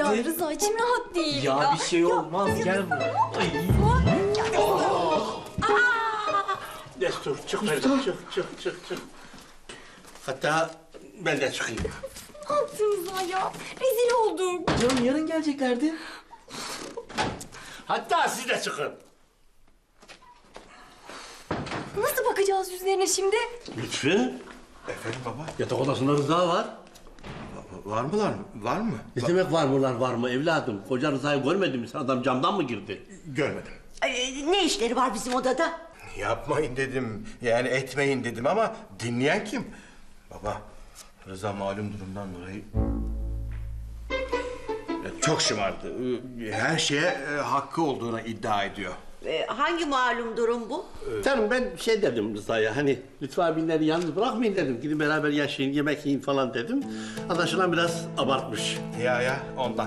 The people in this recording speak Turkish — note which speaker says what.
Speaker 1: Ya Rıza içim rahat değil.
Speaker 2: Ya bir şey olmaz, gel buraya. Ay.
Speaker 3: Destur çık Feride, çık. Hatta ben de çıkayım.
Speaker 1: Ne yaptın Rıza ya? Rezil olduk.
Speaker 2: Canım yarın geleceklerdi.
Speaker 3: Hatta siz de çıkın.
Speaker 1: Nasıl bakacağız yüzlerine şimdi?
Speaker 3: Lütfü,
Speaker 4: Efendim baba?
Speaker 3: yatak odasında Rıza var.
Speaker 4: Var mılar? Var mı?
Speaker 3: Ne demek var mı evladım? Koca Rıza'yı görmedin mi sen? Adam camdan mı girdi?
Speaker 4: Görmedim.
Speaker 5: Ne işleri var bizim odada?
Speaker 4: Yapmayın dedim. Yani etmeyin dedim ama dinleyen kim? Baba, Rıza malum durumdan dolayı... Çok şımardı. Her şeye hakkı olduğuna iddia ediyor.
Speaker 5: Hangi malum durum bu?
Speaker 3: Canım ben şey dedim Rıza'ya hani Lütfü abinleri yalnız bırakmayın dedim. Gidin beraber yaşayın, yemek yiyin falan dedim. Anlaşılan biraz abartmış.
Speaker 4: Ya ondan.